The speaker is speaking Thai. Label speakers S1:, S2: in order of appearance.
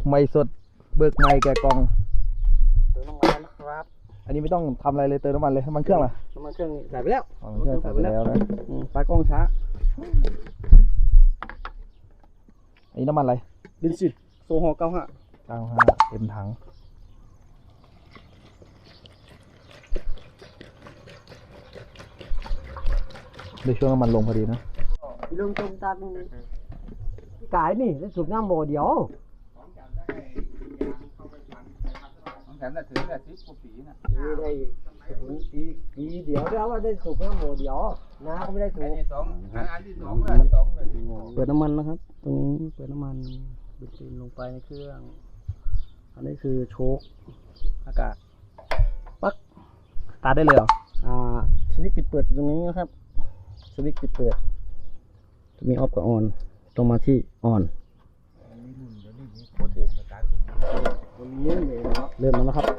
S1: ไม่สดเบิกไม่แกะกล่อง
S2: เติมน้ำมันนะครับ
S1: อันนี้ไม่ต้องทำอะไรเลยเติมน้ำมันเลยน้ำมันเครื่องล่ะ
S2: น้ำมันเครื่องใส่ไปแล้ว
S1: น้ำมันเครื่องใส่ไปแล้วนะ
S2: ปลากล้องช้า
S1: อันนี้น้ำมันอะไร
S2: เบนซินโซฮอล์95
S1: เต็มถังในช่วงน้ำมันลงพอดีนะ
S2: ลงตรงตามกายนี่แล้วสูบน้ำโมเดียว
S3: แถมแต่ถือแต่10 กว่าปีนะ
S2: นี่ได้ปีเดียวแล้วว่าได้สูบน้ำโมเดียวน้าก็ไม่ได้สูบ
S3: อันที่2
S2: เปิดน้ำมันนะครับตรงนี้เปิดน้ำมันเบนซินลงไปในเครื่องอันนี้คือโชคอากาศปักตาได้เลยเหรอสวิตช์ปิดเปิดตรงนี้นะครับสวิตช์ปิดเปิดจะมีออฟกับออนตรงมาที่ออนเริ่มแล้วนะครับ